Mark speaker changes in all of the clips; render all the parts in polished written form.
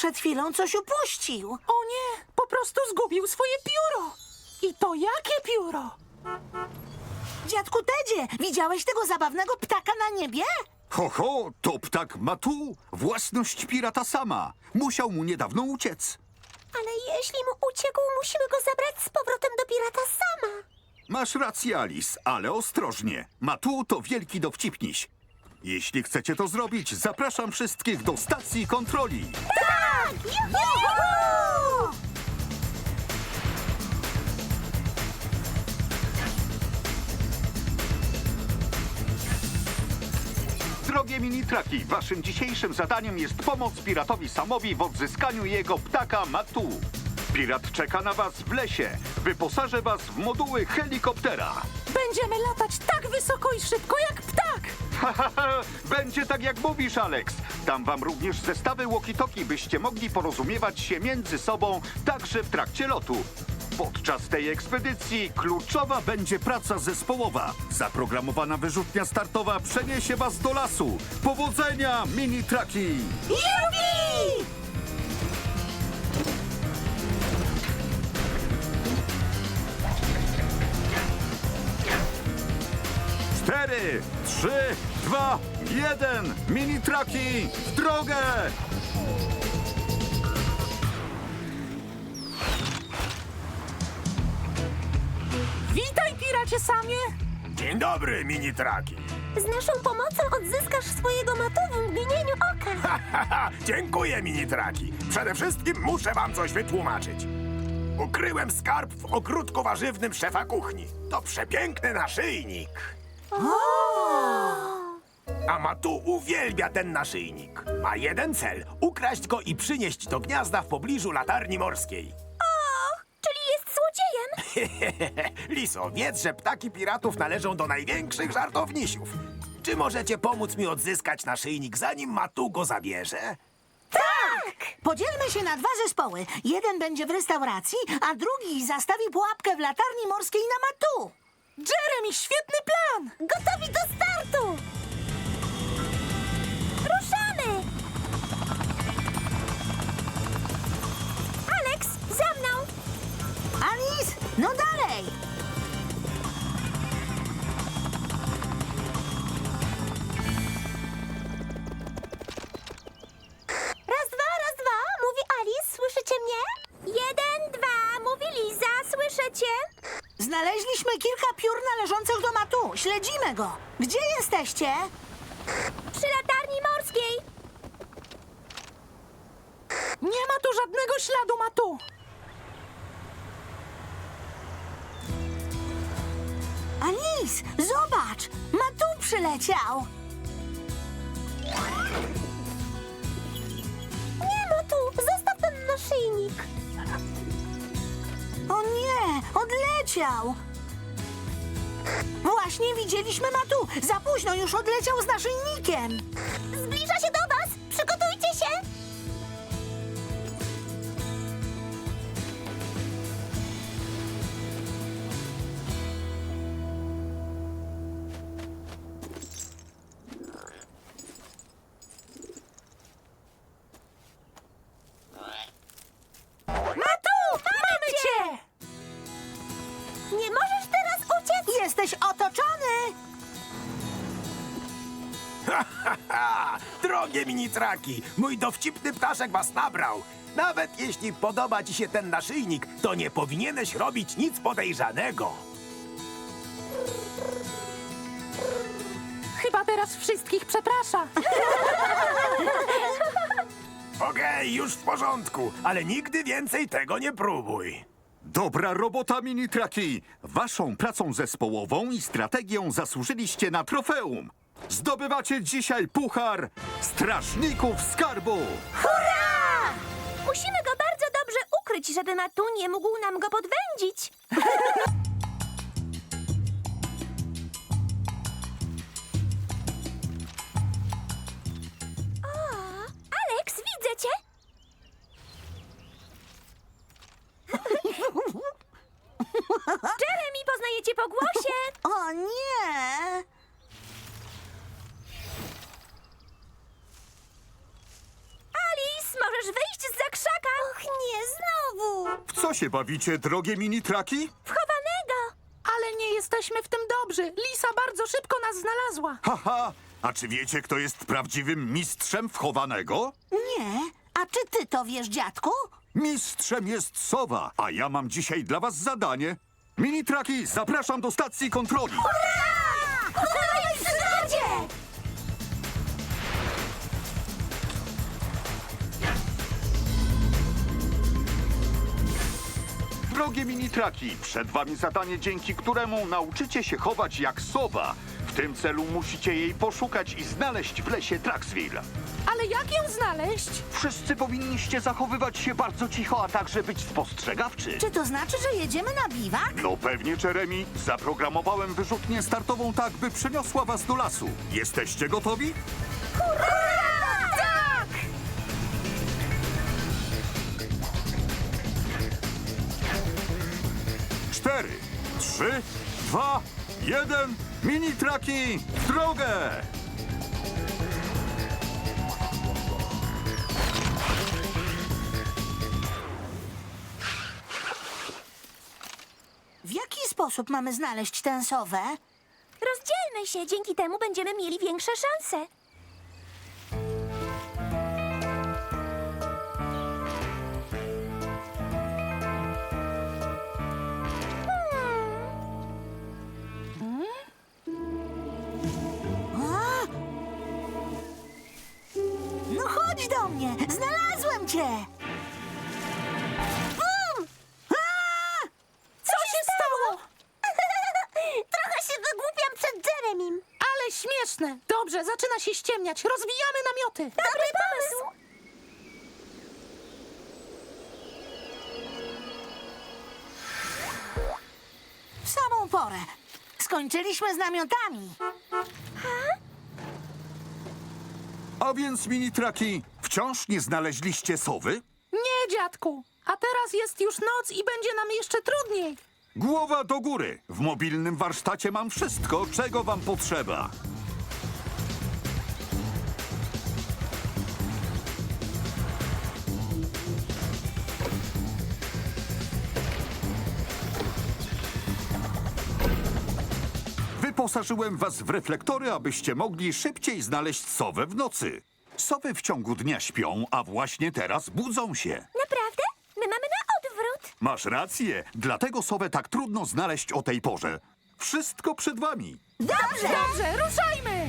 Speaker 1: przed chwilą coś upuścił.
Speaker 2: O nie, po prostu zgubił swoje pióro. I to jakie pióro?
Speaker 1: Dziadku Tedzie, widziałeś tego zabawnego ptaka na niebie?
Speaker 3: Ho, ho, to ptak Matu, własność pirata Sama. Musiał mu niedawno uciec.
Speaker 4: Ale jeśli mu uciekł, musimy go zabrać z powrotem do pirata Sama.
Speaker 3: Masz rację, Alice, ale ostrożnie. Matu to wielki dowcipniś. Jeśli chcecie to zrobić, zapraszam wszystkich do stacji kontroli.
Speaker 4: Tak! Juhu!
Speaker 3: Drogie mini-traki, waszym dzisiejszym zadaniem jest pomoc piratowi Samowi w odzyskaniu jego ptaka Matu. Pirat czeka na was w lesie. Wyposażę was w moduły helikoptera.
Speaker 2: Będziemy latać tak wysoko i szybko jak ptak.
Speaker 3: Będzie tak jak mówisz, Alex. Dam wam również zestawy walkie-talkie, byście mogli porozumiewać się między sobą także w trakcie lotu. Podczas tej ekspedycji kluczowa będzie praca zespołowa. Zaprogramowana wyrzutnia startowa przeniesie was do lasu. Powodzenia, mini-traki!
Speaker 4: Jupi!
Speaker 3: 4, 3, 2, 1. Mini-traki w drogę!
Speaker 2: Witaj, piracie Samie.
Speaker 5: Dzień dobry, mini-traki.
Speaker 4: Z naszą pomocą odzyskasz swojego Matu w mgnieniu oka.
Speaker 5: Dziękuję, mini-traki. Przede wszystkim muszę wam coś wytłumaczyć. Ukryłem skarb w ogródku warzywnym szefa kuchni. To przepiękny naszyjnik. A Matu uwielbia ten naszyjnik. Ma jeden cel: ukraść go i przynieść do gniazda w pobliżu latarni morskiej.
Speaker 4: Czyli jest złodziejem.
Speaker 5: Liso, wiedz, że ptaki piratów należą do największych żartownisiów. Czy możecie pomóc mi odzyskać naszyjnik, zanim Matu go zabierze?
Speaker 1: Podzielmy się na 2 zespoły. Jeden będzie w restauracji, a drugi zastawi pułapkę w latarni morskiej na Matu.
Speaker 2: Jeremy, świetny plan.
Speaker 4: Gotowi do startu! Ruszamy! Alex, za mną!
Speaker 1: Alice, no dalej!
Speaker 4: Raz, dwa, mówi Alice, słyszycie mnie? 1, 2, mówi Liza, słyszycie?
Speaker 1: Znaleźliśmy kilka piór należących do Matu. Śledzimy go. Gdzie jesteście?
Speaker 4: Przy latarni morskiej.
Speaker 2: Nie ma tu żadnego śladu Matu.
Speaker 1: Alice, zobacz! Matu przyleciał.
Speaker 4: Nie ma tu, zostaw ten naszyjnik.
Speaker 1: O nie, odleciał. Właśnie widzieliśmy Matu. Za późno już odleciał z naszyjnikiem.
Speaker 4: Zbliża się do was, przygotujcie się.
Speaker 2: Matu, mamy cię.
Speaker 4: Nie możesz teraz uciec.
Speaker 1: Jesteś otoczony.
Speaker 5: Drogie mini-traki, mój dowcipny ptaszek was nabrał. Nawet jeśli podoba ci się ten naszyjnik, to nie powinieneś robić nic podejrzanego.
Speaker 2: Chyba teraz wszystkich przeprasza.
Speaker 5: Okej, już w porządku, ale nigdy więcej tego nie próbuj.
Speaker 3: Dobra robota, mini-traki! Waszą pracą zespołową i strategią zasłużyliście na trofeum. Zdobywacie dzisiaj puchar Strażników Skarbu!
Speaker 4: Hurra! Musimy go bardzo dobrze ukryć, żeby Matu nie mógł nam go podwędzić. O, Alex, widzę cię. Jeremy, poznaję cię po głosie.
Speaker 1: O nie!
Speaker 4: Alice, możesz wyjść z
Speaker 3: co się bawicie, drogie mini-traki?
Speaker 4: Wchowanego!
Speaker 2: Ale nie jesteśmy w tym dobrzy. Lisa bardzo szybko nas znalazła.
Speaker 3: Haha! A czy wiecie, kto jest prawdziwym mistrzem wchowanego?
Speaker 1: Nie. A czy ty to wiesz, dziadku?
Speaker 3: Mistrzem jest sowa, a ja mam dzisiaj dla was zadanie. Mini-traki, zapraszam do stacji kontroli.
Speaker 4: Kolej w przygodzie!
Speaker 3: Drogie mini-traki, przed wami zadanie, dzięki któremu nauczycie się chować jak sowa. W tym celu musicie jej poszukać i znaleźć w lesie Traxville.
Speaker 2: Ale jak ją znaleźć?
Speaker 3: Wszyscy powinniście zachowywać się bardzo cicho, a także być spostrzegawczy.
Speaker 1: Czy to znaczy, że jedziemy na biwak?
Speaker 3: No pewnie, Jeremy. Zaprogramowałem wyrzutnię startową tak, by przeniosła was do lasu. Jesteście gotowi?
Speaker 1: Tak!
Speaker 3: 4, 3, 2, 1. Mini-traki w drogę!
Speaker 1: W jaki sposób mamy znaleźć tę sowę?
Speaker 4: Rozdzielmy się, dzięki temu będziemy mieli większe szanse.
Speaker 1: A? No chodź do mnie! Znalazłem cię! Bum! A!
Speaker 2: Co się stało?
Speaker 4: Trochę się wygłupiam przed Jeremim.
Speaker 2: Ale śmieszne. Dobrze, zaczyna się ściemniać. Rozwijamy namioty.
Speaker 4: Dobry pomysł.
Speaker 1: W samą porę. Skończyliśmy z namiotami.
Speaker 3: A więc, mini-traki, wciąż nie znaleźliście sowy?
Speaker 2: Nie, dziadku. A teraz jest już noc i będzie nam jeszcze trudniej.
Speaker 3: Głowa do góry. W mobilnym warsztacie mam wszystko, czego wam potrzeba. Wyposażyłem was w reflektory, abyście mogli szybciej znaleźć sowę w nocy. Sowy w ciągu dnia śpią, a właśnie teraz budzą się.
Speaker 4: Naprawdę? My mamy na odwrót.
Speaker 3: Masz rację, dlatego sowę tak trudno znaleźć o tej porze. Wszystko przed wami.
Speaker 1: Dobrze!
Speaker 2: Dobrze, ruszajmy.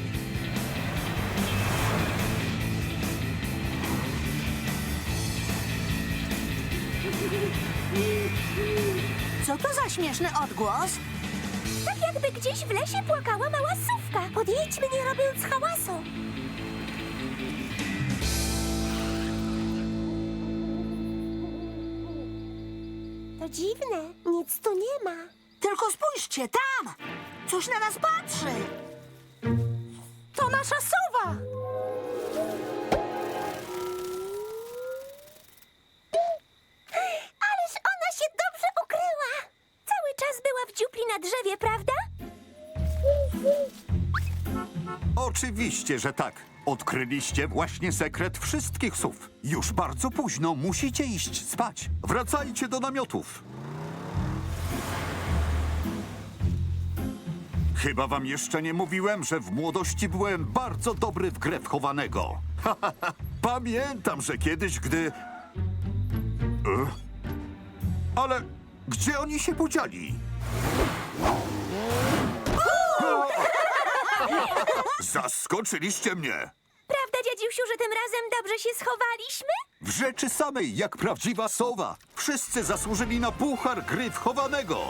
Speaker 1: Co to za śmieszny odgłos?
Speaker 4: Tak jakby gdzieś w lesie płakała mała sówka. Podjedźmy, nie robiąc hałasu. To dziwne, nic tu nie ma.
Speaker 1: Tylko spójrzcie, tam! Coś na nas patrzy!
Speaker 2: To nasza sowa.
Speaker 4: Ależ ona się dobrze ukryła. Cały czas była w dziupli na drzewie, prawda?
Speaker 3: Oczywiście, że tak. Odkryliście właśnie sekret wszystkich sów. Już bardzo późno, musicie iść spać. Wracajcie do namiotów. Chyba wam jeszcze nie mówiłem, że w młodości byłem bardzo dobry w grę wchowanego. Pamiętam, że kiedyś, gdy... Ale gdzie oni się podzieli? Zaskoczyliście mnie!
Speaker 4: Prawda, dziadziusiu, że tym razem dobrze się schowaliśmy?
Speaker 3: W rzeczy samej, jak prawdziwa sowa. Wszyscy zasłużyli na puchar gry wchowanego.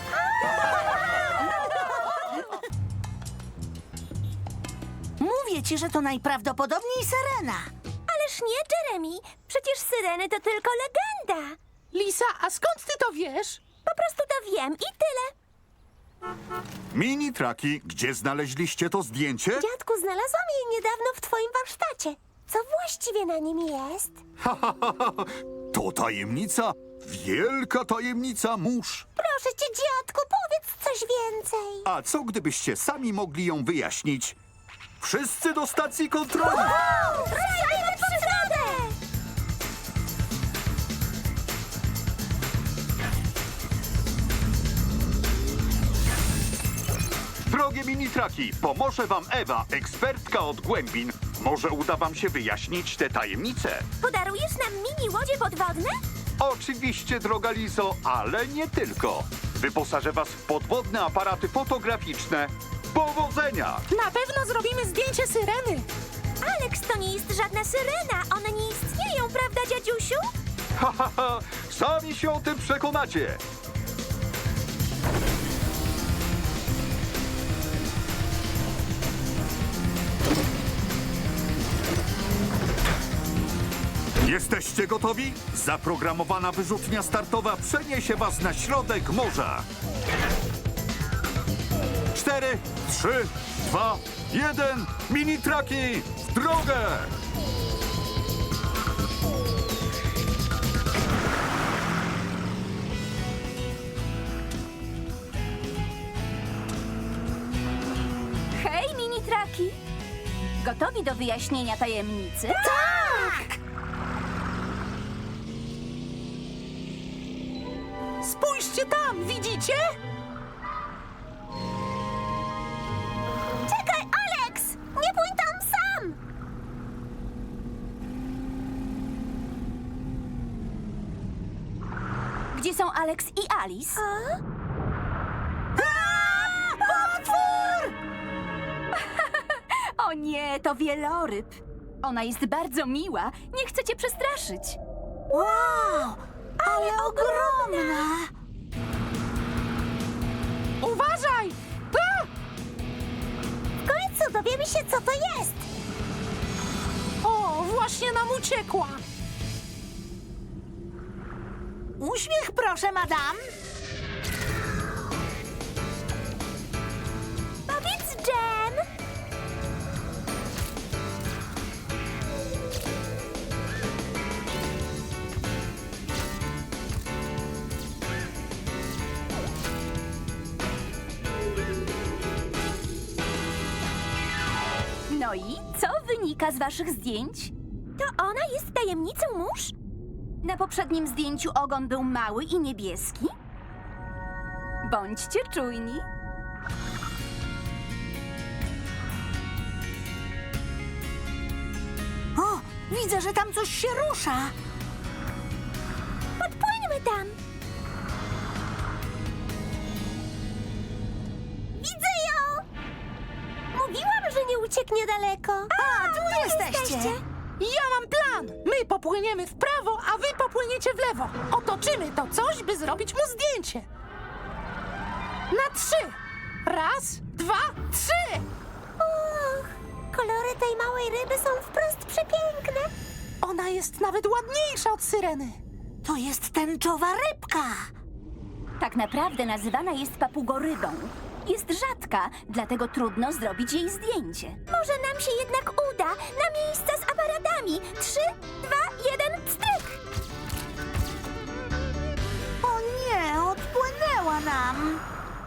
Speaker 1: Mówię ci, że to najprawdopodobniej syrena.
Speaker 4: Ależ nie, Jeremy. Przecież syreny to tylko legenda.
Speaker 2: Lisa, a skąd ty to wiesz?
Speaker 4: Po prostu to wiem i tyle.
Speaker 3: Mini-traki, gdzie znaleźliście to zdjęcie?
Speaker 4: Dziadku, znalazłam je niedawno w twoim warsztacie. Co właściwie na nim jest?
Speaker 3: To tajemnica, wielka tajemnica mórz.
Speaker 4: Proszę cię, dziadku, powiedz coś więcej.
Speaker 3: A co gdybyście sami mogli ją wyjaśnić? Wszyscy do stacji kontroli!
Speaker 4: Ruszajmy w przygodę!
Speaker 3: Drogie mini-traki, pomoże wam Ewa, ekspertka od głębin. Może uda wam się wyjaśnić te tajemnice?
Speaker 4: Podarujesz nam mini łodzie podwodne?
Speaker 3: Oczywiście, droga Lizo, ale nie tylko. Wyposażę was w podwodne aparaty fotograficzne. Powodzenia!
Speaker 2: Na pewno zrobimy zdjęcie syreny.
Speaker 4: Alex, to nie jest żadna syrena. One nie istnieją, prawda, dziadziusiu?
Speaker 3: Ha, ha, ha! Sami się o tym przekonacie! Jesteście gotowi? Zaprogramowana wyrzutnia startowa przeniesie was na środek morza. 4, 3, 2, 1. Mini-traki w drogę!
Speaker 6: Hej, mini-traki! Gotowi do wyjaśnienia tajemnicy?
Speaker 1: Tak!
Speaker 2: Spójrzcie tam, widzicie?
Speaker 4: Czekaj, Alex! Nie pójdź tam sam!
Speaker 6: Gdzie są Alex i Alice?
Speaker 1: Potwór!
Speaker 6: O nie, to wieloryb. Ona jest bardzo miła. Nie chcę cię przestraszyć.
Speaker 1: Wow! Ale ogromna!
Speaker 2: Uważaj! A!
Speaker 4: W końcu dowiemy się, co to jest.
Speaker 2: O, właśnie nam uciekła.
Speaker 1: Uśmiech, proszę, madam.
Speaker 4: Powiedz, Jen.
Speaker 6: No i co wynika z waszych zdjęć?
Speaker 4: To ona jest tajemnicą mórz?
Speaker 6: Na poprzednim zdjęciu ogon był mały i niebieski? Bądźcie czujni.
Speaker 1: O, widzę, że tam coś się rusza.
Speaker 4: Podpłyńmy tam. Widzę ją! Mówiłam, że nie ucieknie daleko.
Speaker 1: A, tu jesteście.
Speaker 2: Ja mam plan! My popłyniemy w prawo, a wy popłyniecie w lewo. Otoczymy to coś, by zrobić mu zdjęcie. Na 3. Raz, 2, 3.
Speaker 4: Och, kolory tej małej ryby są wprost przepiękne.
Speaker 2: Ona jest nawet ładniejsza od syreny.
Speaker 1: To jest tęczowa rybka.
Speaker 6: Tak naprawdę nazywana jest papugorybą. Jest rzadka, dlatego trudno zrobić jej zdjęcie.
Speaker 4: Może nam się jednak uda. Na miejsca z aparatami. 3, 2, 1, pstryk!
Speaker 1: O nie, odpłynęła nam.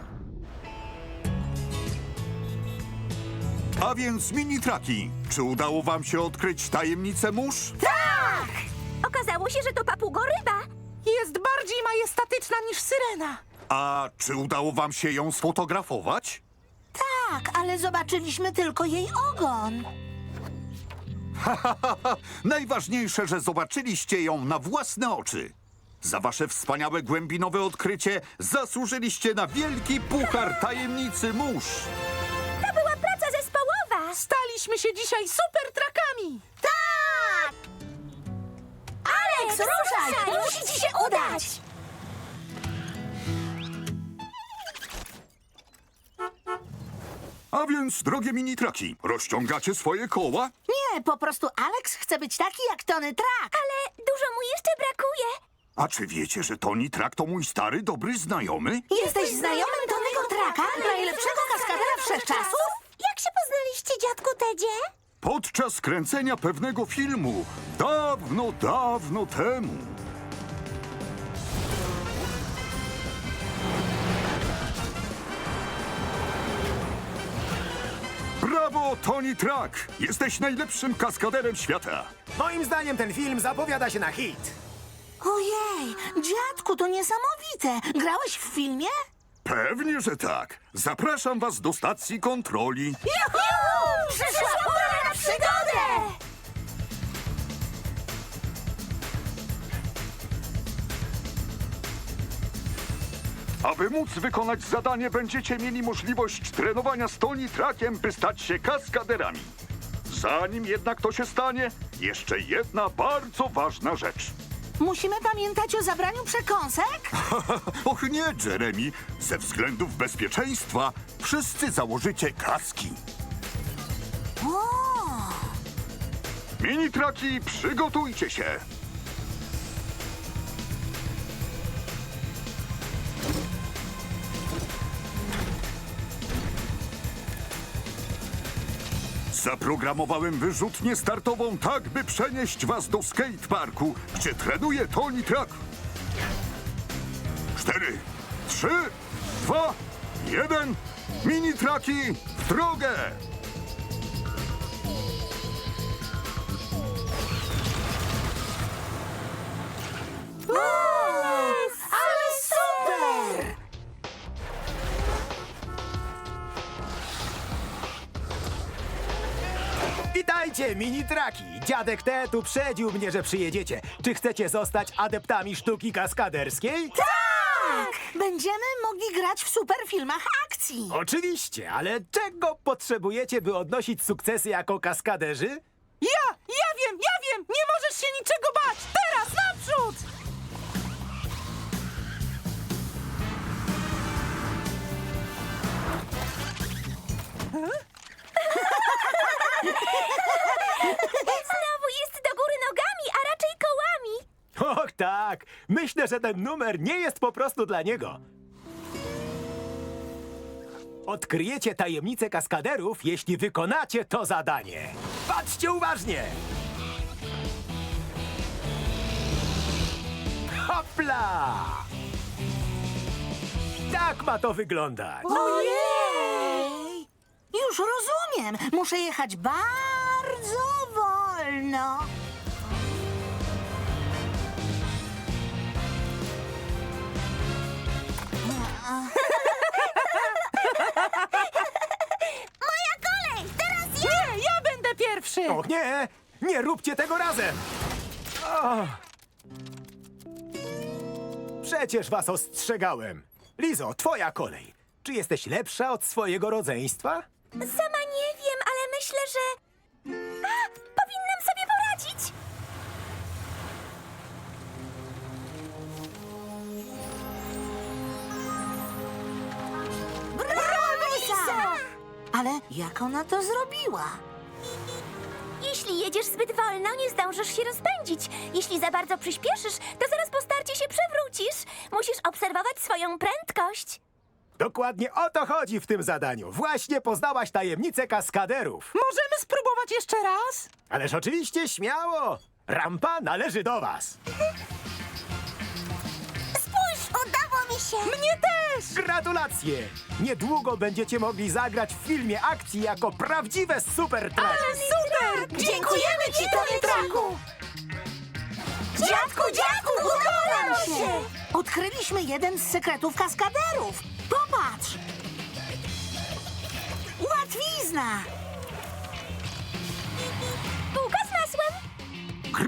Speaker 3: A więc mini-traki, czy udało wam się odkryć tajemnicę mórz?
Speaker 4: Tak! Okazało się, że to papugoryba.
Speaker 2: Jest bardziej majestatyczna niż syrena.
Speaker 3: A czy udało wam się ją sfotografować?
Speaker 1: Tak, ale zobaczyliśmy tylko jej ogon.
Speaker 3: Najważniejsze, że zobaczyliście ją na własne oczy. Za wasze wspaniałe głębinowe odkrycie zasłużyliście na wielki puchar tajemnicy mórz.
Speaker 4: To była praca zespołowa.
Speaker 2: Staliśmy się dzisiaj super trakami.
Speaker 1: Tak! Alex, ruszaj! Musi ci się udać!
Speaker 3: A więc, drogie mini-traki, rozciągacie swoje koła?
Speaker 1: Nie, po prostu Alex chce być taki jak Tony Trak.
Speaker 4: Ale dużo mu jeszcze brakuje.
Speaker 3: A czy wiecie, że Tony Trak to mój stary, dobry znajomy?
Speaker 1: Jesteś znajomym Tonego Traka, najlepszego kaskadera wszechczasów?
Speaker 4: Jak się poznaliście, dziadku Tedzie?
Speaker 3: Podczas kręcenia pewnego filmu, dawno, dawno temu. Brawo, Tony Trak! Jesteś najlepszym kaskaderem świata.
Speaker 5: Moim zdaniem ten film zapowiada się na hit.
Speaker 1: Ojej, dziadku, to niesamowite. Grałeś w filmie?
Speaker 3: Pewnie, że tak. Zapraszam was do stacji kontroli.
Speaker 4: Przyszła pora na przygodę!
Speaker 3: Aby móc wykonać zadanie, będziecie mieli możliwość trenowania z Tony Trackiem, by stać się kaskaderami. Zanim jednak to się stanie, jeszcze jedna bardzo ważna rzecz.
Speaker 1: Musimy pamiętać o zabraniu przekąsek?
Speaker 3: Och nie, Jeremy. Ze względów bezpieczeństwa wszyscy założycie kaski.
Speaker 1: O!
Speaker 3: Mini-traki, przygotujcie się. Zaprogramowałem wyrzutnię startową tak, by przenieść was do skateparku, gdzie trenuje Tony Track. 4, 3, 2, 1. Mini-traki w drogę!
Speaker 1: Ale super!
Speaker 7: Witajcie, mini-traki! Dziadek Ted uprzedził mnie, że przyjedziecie. Czy chcecie zostać adeptami sztuki kaskaderskiej?
Speaker 1: Tak! Będziemy mogli grać w superfilmach akcji.
Speaker 7: Oczywiście, ale czego potrzebujecie, by odnosić sukcesy jako kaskaderzy?
Speaker 2: Ja wiem! Nie możesz się niczego bać! Teraz naprzód!
Speaker 4: Znowu jest do góry nogami, a raczej kołami.
Speaker 7: Och tak, myślę, że ten numer nie jest po prostu dla niego. Odkryjecie tajemnicę kaskaderów, jeśli wykonacie to zadanie. Patrzcie uważnie! Hopla! Tak ma to wyglądać.
Speaker 1: Ojej! Już rozumiem. Muszę jechać bardzo wolno.
Speaker 4: Moja kolej! Teraz ja!
Speaker 2: Nie, ja będę pierwszy!
Speaker 7: Och nie! Nie róbcie tego razem! O. Przecież was ostrzegałem. Lizo, twoja kolej. Czy jesteś lepsza od swojego rodzeństwa?
Speaker 4: Sama nie wiem, ale myślę, że... A! Powinnam sobie poradzić!
Speaker 1: Brawo, Lisa! Ale jak ona to zrobiła?
Speaker 4: Jeśli jedziesz zbyt wolno, nie zdążysz się rozpędzić. Jeśli za bardzo przyspieszysz, to zaraz po starcie się przewrócisz. Musisz obserwować swoją prędkość.
Speaker 7: Dokładnie o to chodzi w tym zadaniu. Właśnie poznałaś tajemnicę kaskaderów.
Speaker 2: Możemy spróbować jeszcze raz?
Speaker 7: Ależ oczywiście śmiało. Rampa należy do was.
Speaker 4: Spójrz, udało mi się!
Speaker 2: Mnie też!
Speaker 7: Gratulacje! Niedługo będziecie mogli zagrać w filmie akcji jako prawdziwe super traki.
Speaker 2: Super!
Speaker 1: Dziękujemy ci, Tony Traku! Dziadku, udało nam się! Odkryliśmy jeden z sekretów kaskaderów. Popatrz! Łatwizna!
Speaker 4: Bułka z masłem!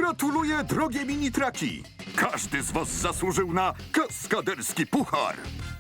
Speaker 3: Gratuluję, drogie mini-traki! Każdy z was zasłużył na kaskaderski puchar.